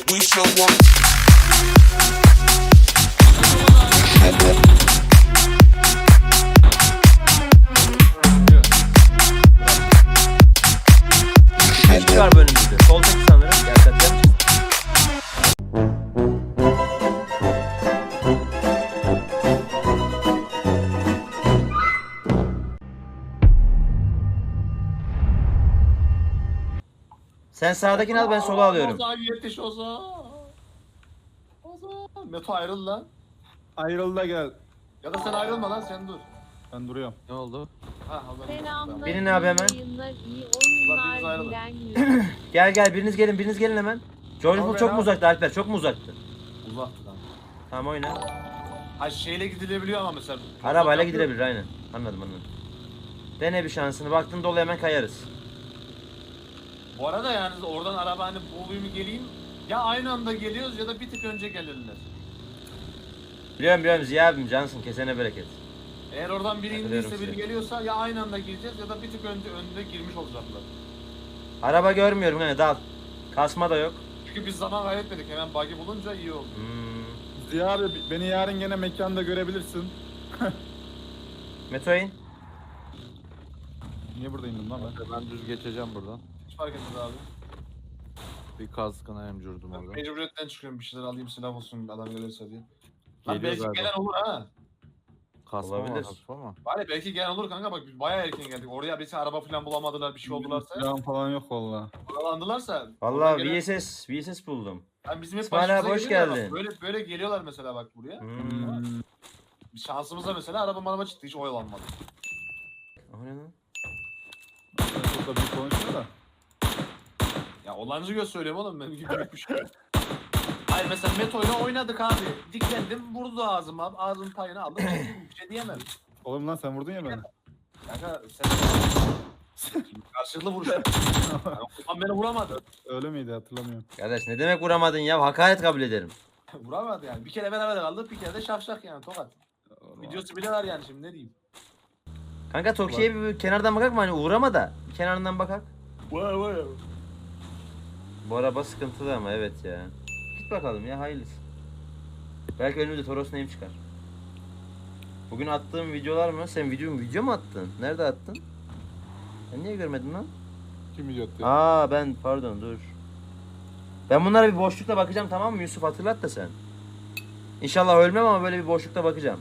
We show 'em. Bir kişi var bu önümüzde. Soldaki sanırım. Gerçekten. Sen sağdakini al, ben sola alıyorum. Ozan yetiş Ozan. Ozan. Meto ayrıl lan. Ayrıl da gel. Ya da sen ayrılma lan sen dur. Ben duruyorum. Ne oldu? Ha Ozan. Selamlar. Binin abi hemen. Yayınlar, iyi Ulan biriniz oyunlar ayrılın. dilen yüz. Gel biriniz gelin hemen. George Tamam, Bull çok ben mu al. uzaktı Alper? Çok mu uzaktı? Uzaktı lan. Tamam oyna. Ha şeyle gidilebiliyor ama mesela. Arabayla gidilebilir aynen. Anladım. Dene bir şansını. Baktın dolu hemen kayarız. Bu arada yani oradan araba hani bulayım geleyim. Ya aynı anda geliyoruz ya da bir tık önce gelirler. Biliyorum Ziya abim cansın, kesene bereket. Eğer oradan biri Hatırlıyorum indiyse biri sizi. geliyorsa ya aynı anda gireceğiz ya da bir tık önde girmiş olacaklar. Araba görmüyorum hani dal. Kasma da yok. Çünkü biz zaman kaybetmedik, hemen bug'i bulunca iyi oldu. Ziya abi beni yarın gene mekanda görebilirsin. Meto in. Niye burada indim lan ben? Ben düz geçeceğim buradan. Hiç fark etmez abi. Bir kaskına emcürdüm Ben orada. mecburiyetten çıkıyorum, bir şeyler alayım, silah olsun adam gelirse diye. Lan Geliyor belki galiba. gelen olur ha. Kasma Olabilir. var hafif ama. Bari belki gelen olur kanka, bak biz bayağı erken geldik. Oraya bir araba falan bulamadılar, bir şey oldularsa. Silahım falan yok valla. Oralandılarsa. Vallahi oradan gelen- VSS buldum. Yani bizim hep İsmail başımıza abi, hoş geliyor ya, bak geldin. Böyle geliyorlar mesela bak buraya. Bir şansımıza mesela araba çıktı, hiç oyalanmadı. O ne lan? Çok da büyük konuşuyor da. Ya olancı göz söylüyorum oğlum, benim gibi büyük bir şey. Hayır mesela Meto'yla oynadık abi. Diklendim, vurdu ağzıma, ağzımın payını aldım. Bir şey diyemem. Oğlum lan sen vurdun ya beni. Kanka sen karşılıklı vuruş. Yani Osman beni vuramadı. Öyle miydi hatırlamıyorum. Kardeş ne demek vuramadın ya? Hakaret kabul ederim. Vuramadı yani. Bir kere beraber kaldık, bir kere de şafşak yani tokat. Videosu bile var yani, şimdi ne diyeyim. Kanka Tokyo'ya bir kenardan bakak mı? Hani uğrama da. Bir kenarından bakak. Vay. Bu araba sıkıntılı ama evet ya. Git bakalım ya, hayırlısı. Belki önümüzde Toros neyim çıkar. Bugün attığım videolar mı? Sen video mu attın? Nerede attın? Ben niye görmedim lan? Kim video attı? Aa ben pardon dur. Ben bunlara bir boşlukta bakacağım, tamam mı Yusuf, hatırlat da sen. İnşallah ölmem ama böyle bir boşlukta bakacağım.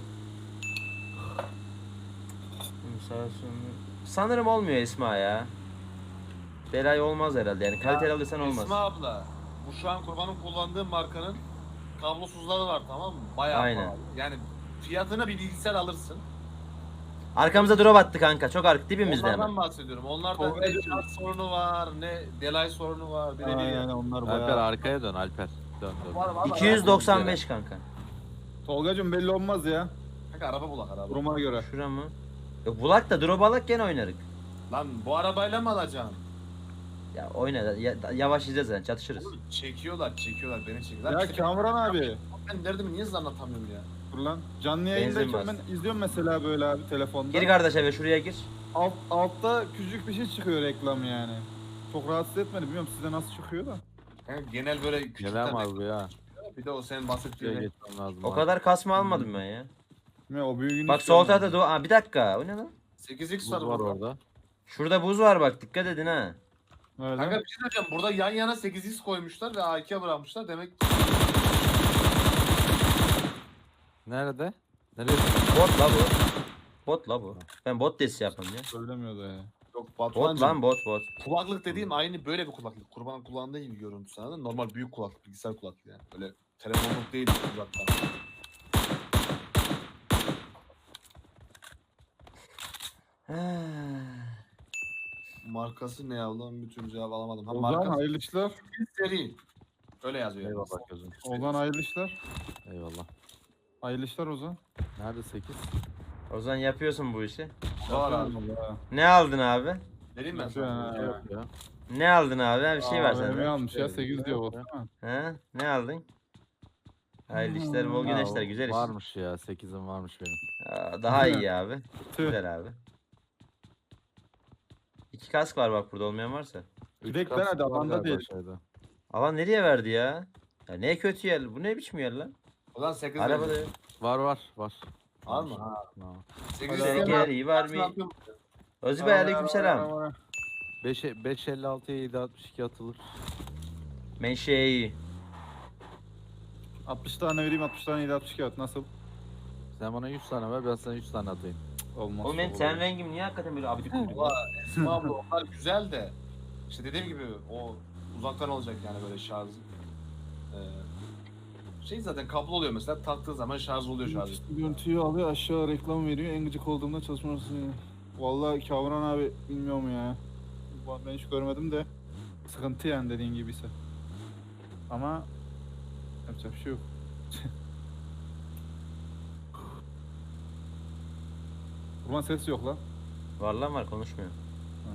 Sağ olsun. Sanırım olmuyor Esma ya. Delay olmaz herhalde yani, kaliteli alırsan olmaz. Esma abla, bu şu an kurbanın kullandığı markanın kablosuzları var, tamam mı? Bayağı Aynen. pahalı. Yani fiyatına bir bilgisayar alırsın. Arkamıza drop attı kanka, çok dibimizde Onlardan hemen. bahsediyorum. Onlarda ne şarj sorunu var, ne delay sorunu var. Aynen onlar Alper bayağı. arkaya dön Alper. Dön. Var. 295 kanka. Tolgacım belli olmaz ya. Kanka araba bulak araba. Duruma göre. Şura mı? Yok bulak da drop alak gene oynarık. Lan bu arabayla mı alacaksın? Ya oyna yavaş izleyeceğiz yani, çatışırız. Oğlum çekiyorlar beni çekiyorlar. Ya İşte Kamuran abi. ben derdimi niye size anlatamıyorum ya? Dur lan. Canlı Benzin yayındayken bas. ben izliyorum mesela böyle abi telefonda. Gir kardeş eve, şuraya gir. Altta küçük bir şey çıkıyor reklam yani. Çok rahatsız etmedi. Bilmiyorum size nasıl çıkıyor da. Kanka genel böyle küçükten Gelen var bu ya. bir de o senin Şuraya bahsettiğin. geçmem lazım. O abi. kadar kasma almadım ben ya. Bilmiyorum, o büyüğünü Bak istiyorum sol tarafta ben. bir dakika, o ne lan? 8x Buz var var burada. orada. Şurada buz var bak, dikkat edin ha. Öyle. Kanka bir şey söyleyeceğim. Burada yan yana 8x koymuşlar ve A2'ye bırakmışlar. Demek Nerede? Nereye? Bot la bu. Bot la bu. Ben bot desi yapayım ya. Söylemiyordu ya. yok Bot Batuhan'cığım. lan bot. Kulaklık dediğim aynı böyle bir kulaklık. Kurban kullandığı gibi görüntüsü, anladın mı? Normal büyük kulaklık, bilgisayar kulaklığı yani. Böyle telefonluk değil uzaktan. Markası ne ya? Ulan bir türlü cevap alamadım. Ha, Ozan markası hayırlı işler. seri. Öyle yazıyor. Eyvallah gözüm. Ozan hayırlı işler. Eyvallah. Hayırlı işler Ozan. Nerede 8? O zaman yapıyorsun bu işi. Var abi. Vallahi. Ne aldın abi? Vereyim ben Yapıyor sana. ha. Yok ya. Ne aldın abi? Bir şey ver Ne sende. almış ya Evet, 8 diyor evet. Ozan. Ha? Ne aldın? Hayırlı işler, bol güneşler, Ya, güzel iş. Varmış ya 8'im varmış benim. Daha iyi abi. Tüh. Güzel abi. 2 kask var bak, burada olmayan varsa. Üç Direkt ben kask hadi, var alanda galiba değil. şeyde. Alan nereye verdi ya? Ya ne kötü yer. Bu ne biçim yer lan? Ulan 8 Arabada yok. Var. Var mı? Ha. Ha. 8 Seninkiler iyi var mı? Özü Bey aleykümselam. 5.56'ya 7.62 atılır. Menşei. 60 tane vereyim 60 tane 762 at nasıl? Sen bana 100 tane ver, ben sana 100 tane atayım. Olmaz. Oğlum benim olur. ten rengim niye hakikaten böyle abidik gubidik? Valla Esma abla onlar güzel de. İşte dediğim gibi o uzaktan olacak yani böyle şarj. Şey zaten kablo oluyor mesela taktığı zaman şarj oluyor şarj. Görüntüyü alıyor aşağı reklam veriyor en gıcık olduğumda çalışması. Vallahi Kavran abi bilmiyorum ya. Ben hiç görmedim de sıkıntı yani dediğin gibiyse. Ama yapacak bir şey yok. Kurban ses yok lan. Var lan var konuşmuyor. Ha.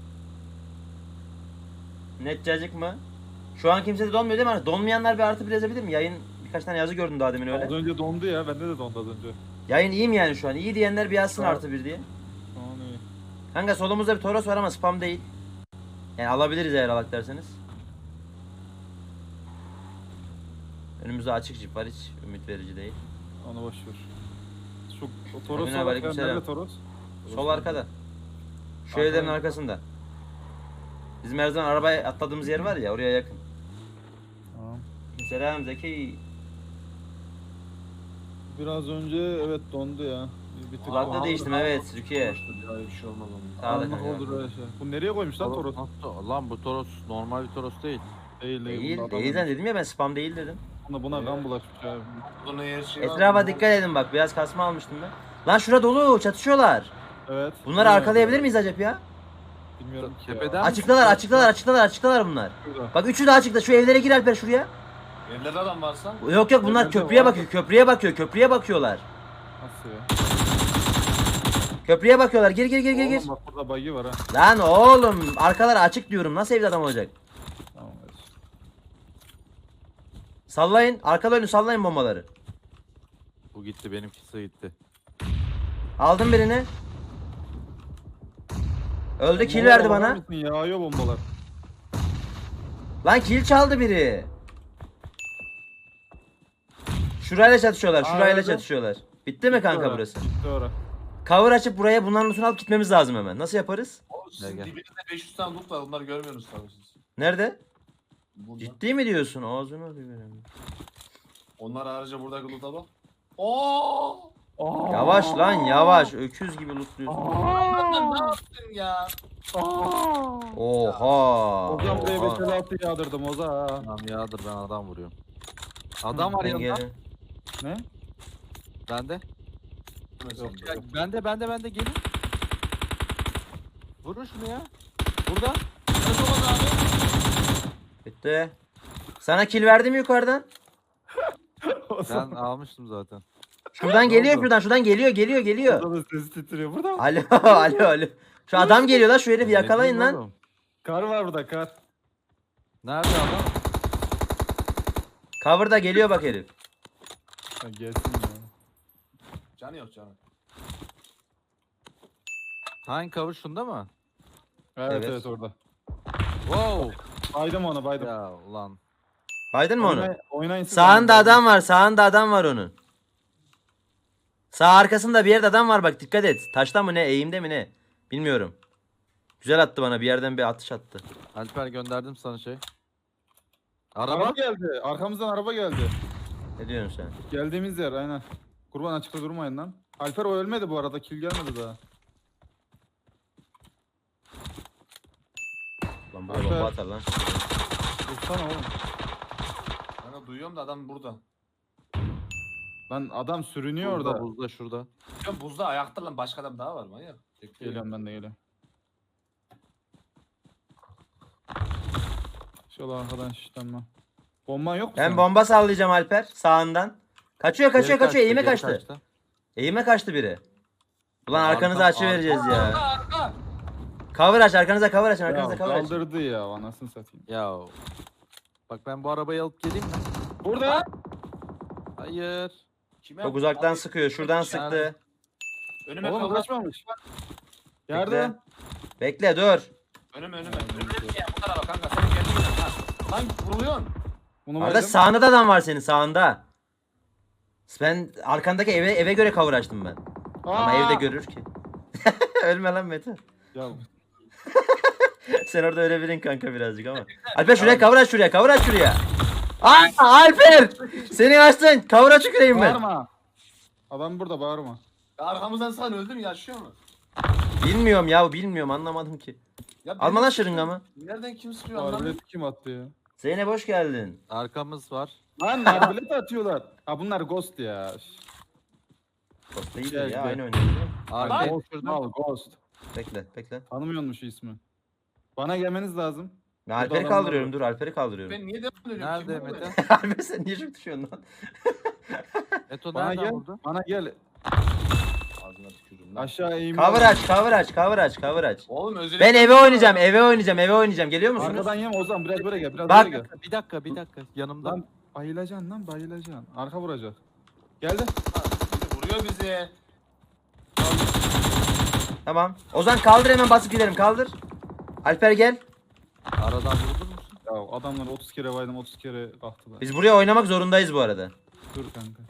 Net cacık mı? Şu an kimse de donmuyor değil mi? Hani donmayanlar bir artı bir yazabilir mi? Yayın birkaç tane yazı gördüm daha demin öyle. Az önce dondu ya bende de dondu az önce. Yayın iyi mi yani şu an? İyi diyenler bir yazsın Evet. artı bir diye. Tamam iyi. Kanka solumuzda bir Toros var ama spam değil. Yani alabiliriz eğer alak derseniz. Önümüzde açık jip var, hiç ümit verici değil. Onu boş ver. Şu o Toros Emine var. aleykümselam. Nerede Toros? Sol arkada. Şu Arkada evlerin mı? arkasında. Bizim her zaman arabaya atladığımız yer var ya, oraya yakın. Tamam. Selam Zeki. Biraz önce evet dondu ya. Bir tık. Kulaklığı Abi, değiştim abi, evet abi. Rukiye. Öyle bir şey olmaz onun. Sağda Anlık kanka. olur öyle şey. Bu nereye koymuş lan Toros? Lan bu Toros normal bir Toros değil. Değil Değil, bunda değil adam- lan dedim ya, ben spam değil dedim. Buna kan bulaşmış ya. Bunun her şeyi var. Etrafa dikkat edin bak, biraz kasma almıştım ben. Lan şura dolu, çatışıyorlar. Evet. Bunları arkalayabilir miyiz acaba ya? Bilmiyorum ki Tepeden ya. mi? Açıktalar bunlar. Şurada. Bak üçü de açıkta, şu evlere gir Alper şuraya. Evlerde adam varsa. Yok bunlar Evlerde köprüye var. bakıyor, köprüye bakıyorlar. Nasıl ya? Köprüye bakıyorlar, gir. Oğlum bak burada bug'i var ha. Lan oğlum arkalar açık diyorum, nasıl evde adam olacak? Tamam hadi. Sallayın, arkalarını sallayın bombaları. Bu gitti, benimkisi gitti. Aldım birini. Öldü, kill Bombalar verdi bakar bana. mısın? Yağıyor bombalar. Lan kill çaldı biri. Şurayla çatışıyorlar, öldü. çatışıyorlar. Bitti mi kanka Bitti burası? Bitti ora. Cover açıp buraya bunların lootunu alıp gitmemiz lazım hemen. Nasıl yaparız? O sizin Gel. dibinizde 500 tane loot var. Onları görmüyorsunuz tabii siz. Nerede? Burada. Ciddi mi diyorsun? Ağzını alıyor benim. Onlar harici buradaki loot'a bak. Oo! Yavaş lan yavaş. Öküz gibi lootluyorsun. Lan ne yaptın ya? Oha. Ozan buraya Oha. 556 yağdırdım Oza. Tamam yağdır, ben adam vuruyorum. Adam var Ben yanında. geldim. Ne? Bende. Yok. Ya, bende gelin. Vurun şunu ya. Burada. Bitti. Sana kill verdim mi yukarıdan? Ben almıştım zaten. Şuradan Ne geliyor, oldu? şuradan geliyor. Ozan'ın sesi titriyor burada mı? Alo. Şu adam geliyor lan, şu herifi Ne yakalayın diyeyim lan. oğlum? Kar var burada kar. Nerede adam? Cover'da geliyor bak herif. Ha, gelsin ya. Canı yok canı. Hangi cover, şunda mı? Evet Evet. orada. Wow. Baydım ona baydım. Ya ulan. Baydın mı onu? Oynayın siz Sağında onu. adam var onun. Sağ arkasında bir yerde adam var bak, dikkat et. Taşta mı ne, eğimde mi ne? Bilmiyorum. Güzel attı bana, bir yerden bir atış attı. Alper, gönderdim sana şey. Araba Araba. geldi. Arkamızdan araba geldi. Ne diyorsun sen? Geldiğimiz yer aynen. Kurban açıkta durmayın lan. Alper o ölmedi bu arada. Kill gelmedi daha. Lan buraya Alper. bomba atar lan. Dursana oğlum. Ben de duyuyorum da adam burada. Lan adam sürünüyor Burada, orada. buzda, şurada. Ya buzda ayakta lan başka adam daha var manyak. Geliyorum ben de geliyorum. Şöyle arkadan şişlenme. Bomban yok mu Ben senin? bomba sallayacağım Alper sağından. Kaçıyor Geri eğime geri kaçtı. Eğime kaçtı biri. Ulan arkanızı Arkam- açıvereceğiz ya. Arka! Cover aç, arkanıza cover açın, Ya, arkanıza cover açın. kaldırdı ya anasını satayım. Ya. Bak ben bu arabayı alıp geleyim mi? Burada. Hayır. Kime? Çok uzaktan Abi, sıkıyor, şuradan yani- sıktı. Önüme Oğlum kaldı. kaçmamış. Yardım. Bekle dur. Önüme. Önüme ya bu tarafa kanka sen kendin gel. Ha. Lan vuruluyorsun. Bunu Arada baydım. sağında da adam var senin sağında. Ben arkandaki eve göre cover açtım ben. Ama Aa! evde görür ki. Ölme lan Mete. Ya Sen orada ölebilirsin kanka birazcık ama. Alper şuraya cover aç şuraya cover aç şuraya. Aa Alper! Seni açtın. Cover aç yükleyeyim ben. bağırma. Adam burada bağırma. Ya arkamızdan sen öldü mü yaşıyor mu? Bilmiyorum ya bilmiyorum anlamadım ki. Ya Alma benim- lan şırıngamı. Nereden kim sıkıyor anlamadım. Arbelet kim attı ya? Zeynep hoş geldin. Arkamız var. Lan arbelet atıyorlar. Ha bunlar ghost ya. Posta iyidir Gel, ya gel. aynı oynuyor. Arkayı Ghost, düşürdüm. al ghost. Bekle bekle. Tanımıyorsun şu ismi. Bana gelmeniz lazım. Ben Burada Alper'i adamlar kaldırıyorum var. dur Alper'i kaldırıyorum. Ben niye devam ediyorum? Nerede Kim bu Mete? be? Alper sen niye çok düşüyorsun lan? Meto Bana nereden gel. vurdu? Bana gel. Ağzına tükürürüm lan. Aşağı eğim. Cover aç cover aç cover aç cover aç. Oğlum özellikle... Ben eve oynayacağım eve oynayacağım eve oynayacağım geliyor musunuz? Arkadan yeme Ozan biraz böyle gel. Biraz Bak. böyle gel. Bir dakika yanımda. Lan bayılacaksın lan bayılacaksın. Arka vuracak. Geldi. Vuruyor bizi. Tamam. Ozan kaldır hemen basıp gidelim kaldır. Alper gel. Aradan vurulur musun? Ya adamlar 30 kere baydım 30 kere kalktılar. Biz buraya oynamak zorundayız bu arada. Dur kanka.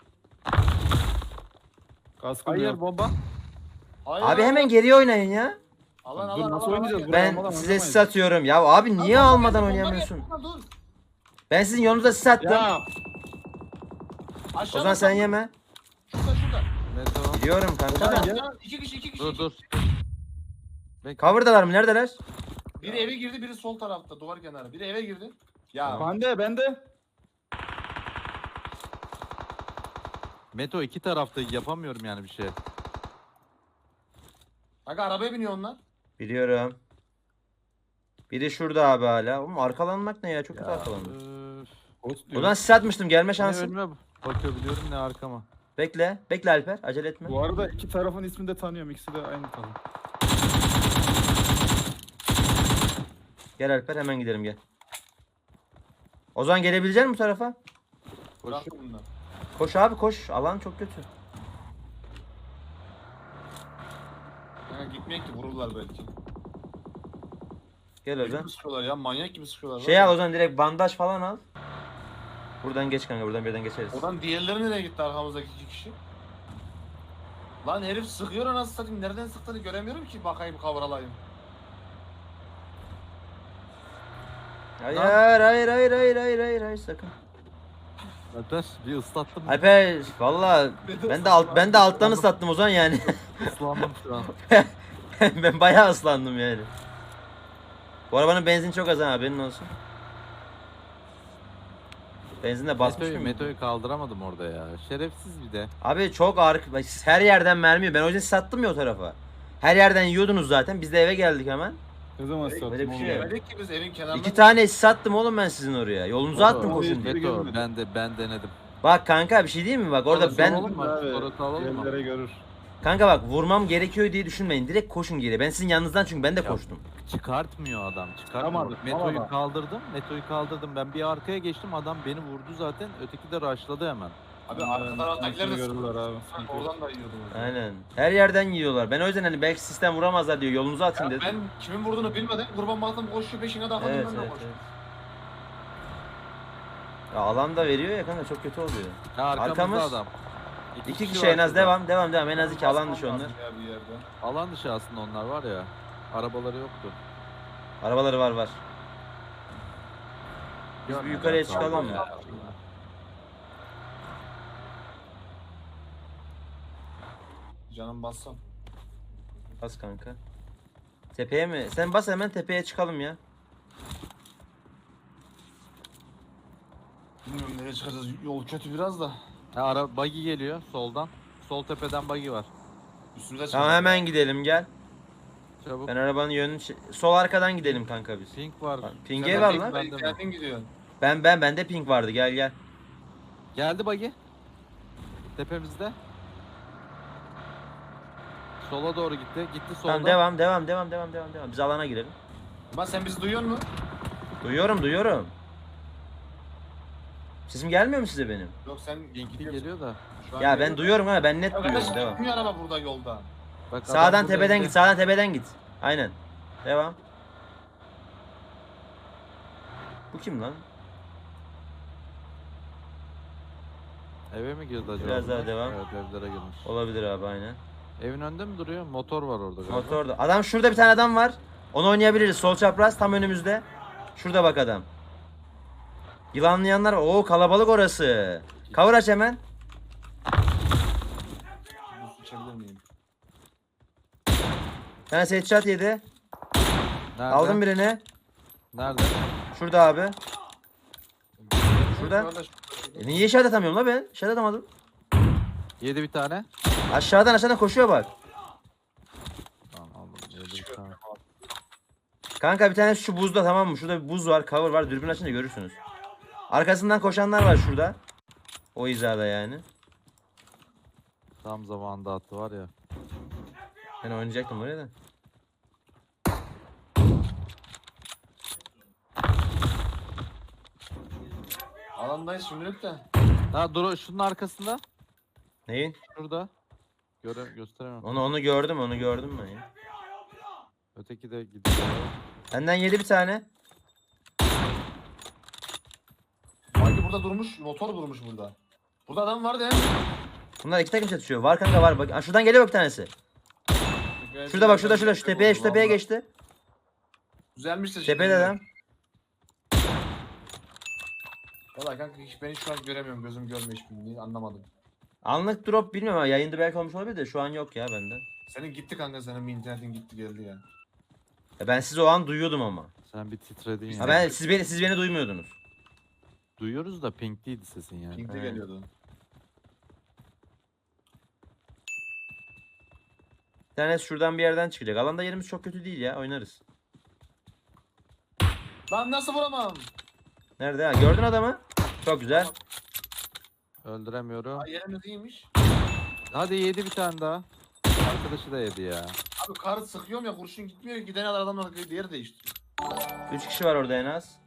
Kaskım Hayır yok. bomba. Hayır. Abi hemen geriye oynayın ya. Alan Dur alan nasıl alan. oynayacağız? alan. Buraya Ben almadan size oynamayız. sis atıyorum. Ya abi niye Lan, almadan bomba oynayamıyorsun? yapma, Dur. Ben sizin yolunuza sis attım. Ya Aşağıda Ozan sen sal- yeme. Şurada şurada. Meto. Biliyorum kanka. Ozan, da. gel. Aşağı, İki kişi iki kişi. Dur. Bekle. Cover'dalar mı? Neredeler? Biri eve girdi biri sol tarafta duvar kenarı. Biri eve girdi. Ya bende. Meto iki tarafta yapamıyorum yani bir şey. Kanka arabaya biniyor onlar. Biliyorum. Biri şurada abi hala. Oğlum arkalanmak ne ya? Çok kötü arkalanmak. Öf. Ghost diyor. Ozan sis atmıştım. Gelme Ne şansın. önüme bakabiliyorum ne arkama. Bekle. Bekle Alper. Acele etme. Bu arada iki tarafın ismini de tanıyorum. İkisi de aynı taraf. Gel Alper hemen gidelim gel. Ozan gelebilecek misin bu tarafa? Koş. Bırak bunlar. Koş abi koş. Alan çok kötü. Kanka gitmeyek ki vururlar belki. Gel Deli Ozan. gibi sıkıyorlar ya manyak gibi sıkıyorlar. Şey al Ozan direkt bandaj falan al. Buradan geç kanka buradan birden geçeriz. Oradan diğerleri nereye gitti arkamızdaki iki kişi? Lan herif sıkıyor anasını satayım. Nereden sıktığını göremiyorum ki bakayım kavralayım. Hayır sakın. Alper bir ıslattım. Alper valla ben de alttan ıslattım Ozan yani. Islandım şu an. Ben bayağı ıslandım yani. Bu arabanın benzin çok az ha haberin olsun. Benzinle basmış mıyım? Meto'yu kaldıramadım orada ya. Şerefsiz bir de. Abi çok ağır. Her yerden mermi yiyor. Ben o yüzden sattım ya o tarafa. Her yerden yiyordunuz zaten. Biz de eve geldik hemen. Ne zaman sattım Böyle bir oğlum? şey yok. Demedik ki biz evin kenarında. 2 tane sattım oğlum ben sizin oraya. Yolunuza attım Oğlum, koşun bir- diye. Meto görmedim. ben denedim. Bak kanka bir şey diyeyim mi? Bak orada Orası ben oğlum. Tamam, Abi, sonra alalım mı? yerlere görür. kanka bak vurmam gerekiyor diye düşünmeyin. Direkt koşun geriye. Ben sizin yanınızdan çünkü ben de Ya. koştum. Çıkartmıyor adam. Çıkartmıyor. Tamam, Meto'yu tamam. kaldırdım. Ben bir arkaya geçtim. Adam beni vurdu zaten. Öteki de rushladı hemen. Abi arka taraftakiler de Görürler sıkıyorlar. abi. Sanki oradan da yiyordum. Aynen. Her yerden yiyorlar. Ben o yüzden hani belki sistem vuramazlar diyor. Yolunuza atın Ya dedim. ben kimin vurduğunu bilmeden kurban baktım koşuyor peşine takıldım Evet, ben de evet, koştum. evet. Ya alan da veriyor ya kanka çok kötü oluyor. Ya arkamızda Arkamız- adam. İki kişi var en az şurada. devam. En az iki alan dışı Basmam onlar. lazım ya bir yerde. Alan dışı aslında onlar var ya. Arabaları yoktu. Arabaları var. Biz bir Görmedim. yukarıya Sağ çıkalım ol mı? ya. Canım bassam. Bas kanka. Tepeye mi? Sen bas hemen tepeye çıkalım ya. Bilmiyorum nereye çıkacağız. Yol kötü biraz da. Ha, buggy geliyor soldan. Sol tepeden buggy var. Üstümüze çıkacağız. Tamam hemen gidelim gel. Çabuk. Ben arabanın yönünü sol arkadan gidelim kanka biz. Pink var. Ping'e Sen var de lan. Pink, ben de mi? Kendin gidiyorsun. Bende pink vardı gel. Geldi buggy. Tepemizde. Sola doğru gitti. Gitti soldan. Tamam devam. Biz alana girelim. Ama sen bizi duyuyor musun? Duyuyorum. Sesim gelmiyor mu size benim? Yok sen Pink'li geliyor da. Şu an Ya ben geliyor. duyuyorum ha ben net Ya duyuyorum kardeş devam. gitmiyor araba burada yolda. Bak, adam Sağdan burada tepeden önde. git sağdan tepeden git. Aynen. Devam. Bu kim lan? Eve mi girdi acaba? Biraz daha bunlar? devam. Evet, evlere girmiş. Olabilir abi aynen. Evin önünde mi duruyor? Motor var orada galiba. Motorda. Adam şurada bir tane adam var. Onu oynayabiliriz. Sol çapraz tam önümüzde. Şurada bak adam. Yılanlayanlar. Oo kalabalık orası. Cover aç hemen. Buz içebilir miyim? Bir tane headshot yedi. Nerede? Aldım birini. Nerede? Şurada abi. Şurada. Kardeş, Niye işaret atamıyorum la ben? İşaret atamadım. Yedi bir tane. Aşağıdan koşuyor bak. Tamam aldım. Yedi bir tane. Kanka bir tanesi şu buzda tamam mı? Şurada bir buz var, cover var. Dürbün açınca görürsünüz. Arkasından koşanlar var şurada. O hizada yani. Tam zamanında attı var ya. Ben oynayacaktım oraya da. Alandayız şimdilik de. Ha dur şunun arkasında. Neyin? Şurada. Gösteremem. Onu gördüm ben ya. Öteki de gidiyor. Benden yedi bir tane. Sanki burada durmuş, motor durmuş burada. Burada adam vardı ya. Bunlar iki takım çatışıyor. Var kanka var. Bak, şuradan geliyor bak bir tanesi. Şurada bak şurada şu tepeye geçti. Düzelmiş de Tepede adam. Valla kanka ben hiç şu an göremiyorum. Gözüm görmüyor hiçbirini. Anlamadım. Anlık drop bilmiyorum ama yayında belki olmuş olabilir de şu an yok ya bende. Senin gitti kanka, senin bir internetin gitti geldi ya. Ya ben sizi o an duyuyordum ama. Sen bir titredin ya. Ha ben siz beni duymuyordunuz. Duyuyoruz da pink değildi sesin yani. Pink'te Evet. geliyordu. Bir tanesi şuradan bir yerden çıkacak. Alanda yerimiz çok kötü değil ya. Oynarız. Lan nasıl vuramam? Nerede ha? Gördün adamı? Çok güzel. Öldüremiyorum. Ay, yerimiz iyiymiş. Hadi yedi bir tane daha. Arkadaşı da yedi ya. Abi karı sıkıyorum ya, kurşun gitmiyor. Giden adamlar diğeri değiştiriyor. 3 kişi var orada en az.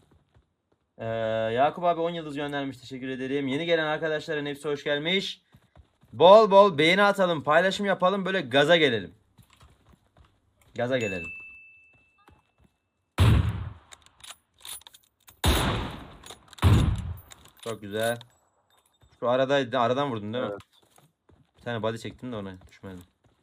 Yakup abi 10 yıldız göndermiş. Teşekkür ederim. Yeni gelen arkadaşların hepsi hoş gelmiş. Bol bol beğeni atalım. Paylaşım yapalım. Böyle gaza gelelim. Gaza gelelim. Çok güzel. Şu aradaydı. Aradan vurdun değil mi? Evet. Bir tane body çektim de ona düşmedi.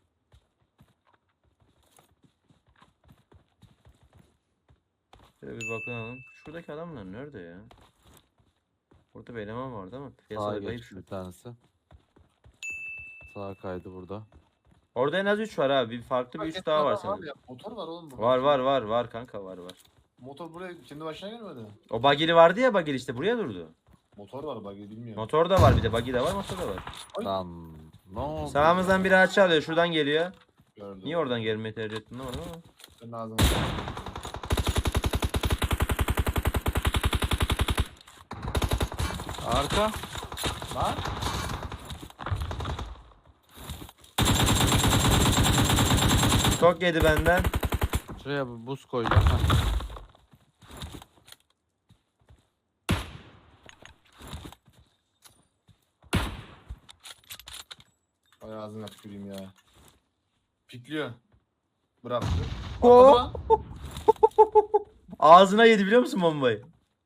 Şöyle bir bakalım. Şuradaki adamlar nerede ya? Burada bir eleman vardı ama piyasada Sağa kayıp geçti şu. bir tanesi. Sağa kaydı burada. Orada en az 3 var abi. Bir farklı bir 3 daha var sanırım. Ya, motor var oğlum burada. Var kanka var. Motor buraya kendi başına gelmedi. O bagili vardı ya bagili işte buraya durdu. Motor var bak, bilmiyorum. Motor da var bir de bagi de var motor da var. Ay. Lan ne oldu? Sağımızdan biri açı alıyor şuradan geliyor. Gördüm. Niye oradan gelmeyi tercih ettin orada ama. Senin ağzına. Arka. Lan. Çok yedi benden. Şuraya bir buz koyacağım. Heh. Ay ağzına tüküreyim ya. Pikliyor. Bıraktı. Hop. Atladı. Ağzına yedi biliyor musun bombayı?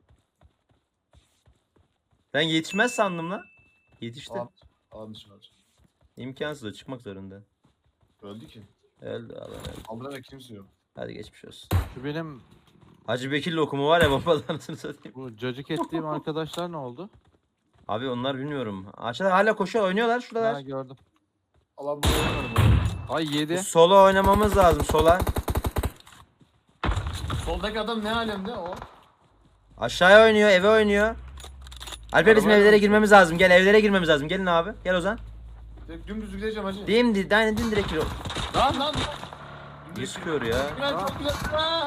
Ben yetişmez sandım lan. Yetişti. Almış var. İmkansız o çıkmak zorunda. Öldü ki. Öldü Allah öldü. Aldırarak kimse yok. Hadi geçmiş olsun. Şu benim Hacı Bekir lokumu var ya babadan satayım. bu cacık ettiğim arkadaşlar ne oldu? Abi onlar bilmiyorum. Aşağıda hala koşuyor oynuyorlar Ha şuradalar. gördüm. Allah bu oynadı Ay yedi. Sola oynamamız lazım sola. bu. Soldaki adam ne alemde o? Aşağıya oynuyor eve oynuyor. Alper bizim Arabaya evlere bak. girmemiz lazım. Gel evlere girmemiz lazım. Gelin abi. Gel Ozan. Direkt dümdüz gideceğim hacı. Aynen direkt gir. Lan. Niye sıkıyor ya? Güzel, çok güzel. Aa!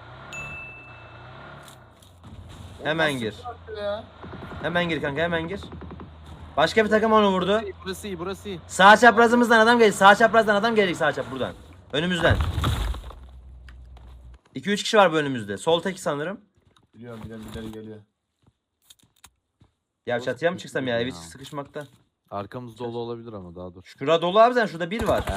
Hemen Nasıl gir. bıraktı ya? Hemen gir kanka hemen gir. Başka bir takım onu vurdu. Burası iyi burası iyi. Sağ çaprazımızdan adam gelecek. Sağ çaprazdan adam gelecek sağ çap buradan. Önümüzden. 2-3 kişi var bu önümüzde. Sol tek sanırım. Biliyorum birileri geliyor. Ya çatıya mı çıksam ya? Evi Ya. sıkışmakta. Arkamız dolu olabilir ama daha dur. Şura dolu abi sen şurada bir var.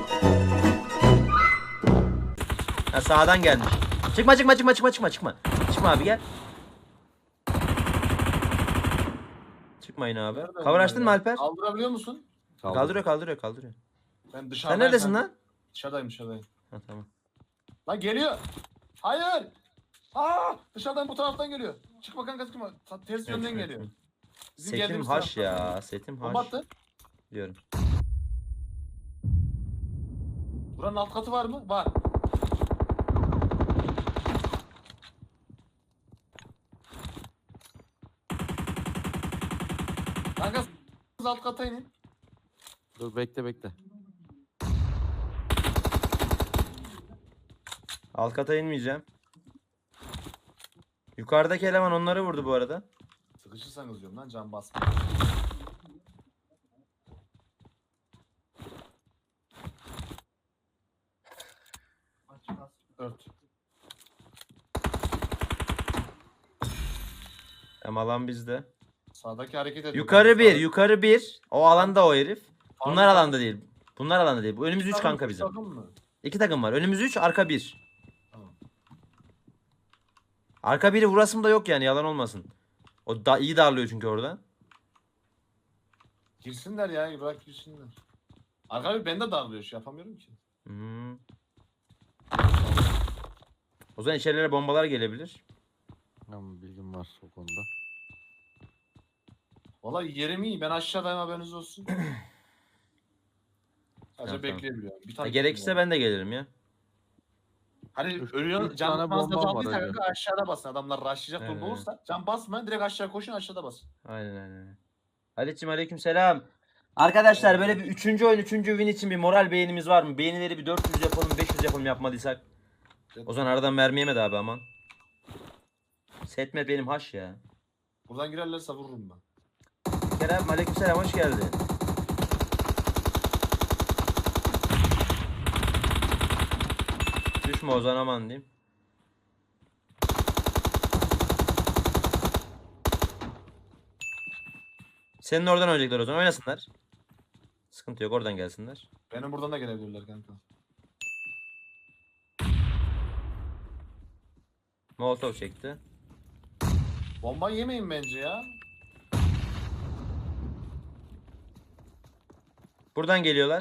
Ha, sağdan gelmiş. Çıkma. Çıkma abi gel. Çıkmayın abi. Nerede Cover bunlar açtın mı ya? Alper? Kaldırabiliyor musun? Kaldırıyor. Ben dışarıdayım. Sen neredesin kanka. lan? Dışarıdayım. Ha tamam. Lan geliyor. Hayır. Aa, dışarıdan bu taraftan geliyor. Çıkma kanka çıkma. Ters yönden Evet, geliyor. evet. Bizim Setim geldiğimiz haş taraftan. ya. Setim Bomba haş. attı. Diyorum. Buranın alt katı var mı? Var. Kanka alt kata inin. Dur bekle. Alt kata inmeyeceğim. Yukarıdaki eleman onları vurdu bu arada. Sıkışırsanız diyorum lan can basma. Ört. Hem alan bizde. Sağdaki hareket ediyor. Yukarı bir. O alanda o herif. Bunlar Abi, alanda değil. Bunlar alanda değil. Bu önümüz 3 takım, kanka bizim. takım mı? 2 takım var. Önümüz 3, arka 1. Tamam. Arka biri vurasım da yok yani yalan olmasın. O da iyi darlıyor çünkü orada. Girsinler ya, bırak girsinler. Arka bir bende darlıyor, şey yapamıyorum ki. Hmm. O zaman içerilere bombalar gelebilir. Tamam bilgim var o konuda. Vallahi yerim iyi, ben aşağıdayım haberiniz olsun. Sadece Tamam. bekleyebiliyorum. Bir Ha, tane gerekirse ben de gelirim ya. Hani Üç ölüyor, tane can fazla bombam var daldıysa öyle. kanka aşağıda basın. Adamlar rushlayacak durumda Evet. olursa can basmayın, direkt aşağı koşun, aşağıda basın. Aynen. Halicim aleykümselam. Arkadaşlar böyle bir 3. oyun 3. win için bir moral beğenimiz var mı? Beğenileri bir 400 yapalım 500 yapalım yapmadıysak. O zaman aradan mermi yemedi abi aman. Setmet benim haş ya. Buradan girerlerse vururum ben. Kerem aleykümselam hoş geldin. Düşme o zaman aman diyeyim. Senin oradan oynayacaklar o zaman oynasınlar. Sıkıntı yok oradan gelsinler. Benim buradan da gelebilirler kanka. Molotov çekti. Bomba yemeyin bence ya. Buradan geliyorlar.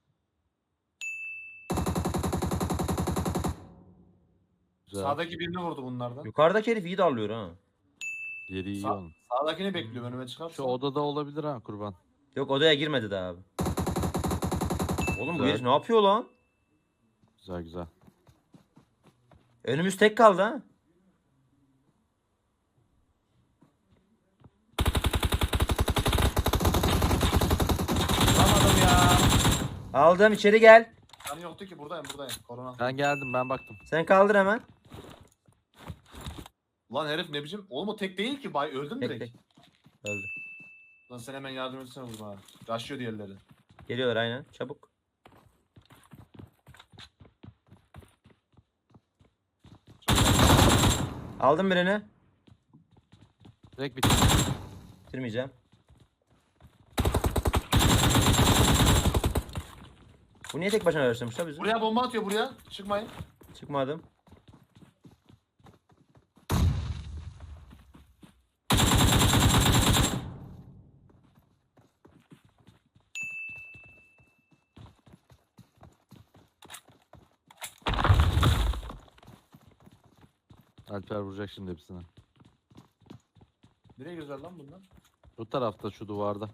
Güzel. Sağdaki birini vurdu bunlardan. Yukarıdaki herif iyi darlıyor ha. Yeri iyi Sağ- onun. Sağdakini bekliyorum, önüme çıkarsa. Şu odada olabilir ha kurban. Yok odaya girmedi daha abi. Oğlum bu Güzel. herif ne yapıyor lan? Güzel. Önümüz tek kaldı ha. Vuramadım ya. Aldım içeri gel. Yani yoktu ki, buradayım. Korona. Ben geldim ben baktım. Sen kaldır hemen. Lan herif ne biçim? Oğlum o tek değil ki. Bay öldüm Tek direkt. tek. Öldü. Lan sen hemen yardım etsene vurma abi. Yaşıyor diğerleri. Geliyorlar aynen. Çabuk. Aldım birini. Direkt bitti. Bitirmeyeceğim. Bu niye tek başına araştırmış la bizi? Buraya bomba atıyor buraya. Çıkmayın. Çıkmadım. Alper vuracak şimdi hepsini. Nereye güzel lan bunlar? Bu tarafta şu duvarda.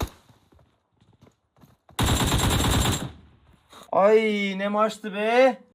Ay ne maçtı be.